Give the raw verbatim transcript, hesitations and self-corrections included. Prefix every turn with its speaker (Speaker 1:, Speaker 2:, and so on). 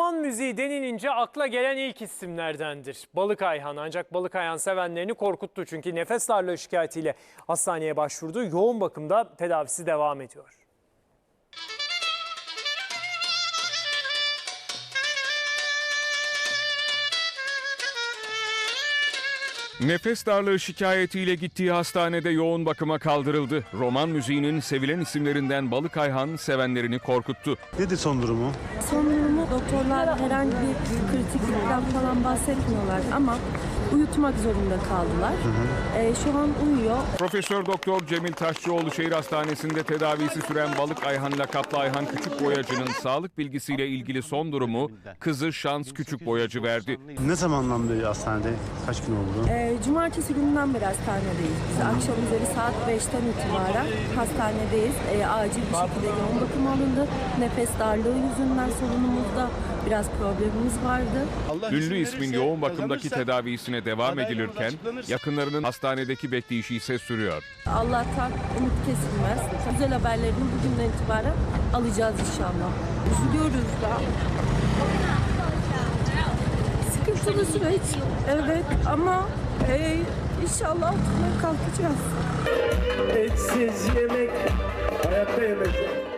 Speaker 1: Roman müziği denilince akla gelen ilk isimlerdendir Balık Ayhan. Ancak Balık Ayhan sevenlerini korkuttu çünkü nefes darlığı şikayetiyle hastaneye başvurdu. Yoğun bakımda tedavisi devam ediyor.
Speaker 2: Nefes darlığı şikayetiyle gittiği hastanede yoğun bakıma kaldırıldı. Roman müziğinin sevilen isimlerinden Balık Ayhan sevenlerini korkuttu.
Speaker 3: Nedir son durumu?
Speaker 4: Son durumu doktorlar herhangi bir kritiklikten falan bahsetmiyorlar ama uyutmak zorunda kaldılar. Hı hı. Ee, şu an uyuyor.
Speaker 2: Profesör Doktor Cemil Taşçıoğlu Şehir Hastanesi'nde tedavisi süren Balık Ayhan lakaplı Ayhan Küçükboyacı'nın sağlık bilgisiyle ilgili son durumu kızı Şans Küçükboyacı verdi.
Speaker 3: Ne zamandan beri hastanede? Kaç gün oldu?
Speaker 4: Ee, cumartesi gününden beri hastanedeyiz. Biz akşam üzeri saat beşten itibaren hastanedeyiz. Ee, acil bir şekilde yoğun bakım alındı. Nefes darlığı yüzünden solunumuzda biraz problemimiz vardı.
Speaker 2: Ünlü ismin yoğun bakımdaki tedavisine devam edilirken yakınlarının hastanedeki bekleyişi ise sürüyor.
Speaker 4: Allah'tan umut kesilmez. Güzel haberlerini bugünden itibaren alacağız inşallah. Üzülüyoruz da. Sıkıntılı süreç. Evet ama e, inşallah altından kalkacağız.
Speaker 5: Etsiz yemek hayatta yemek.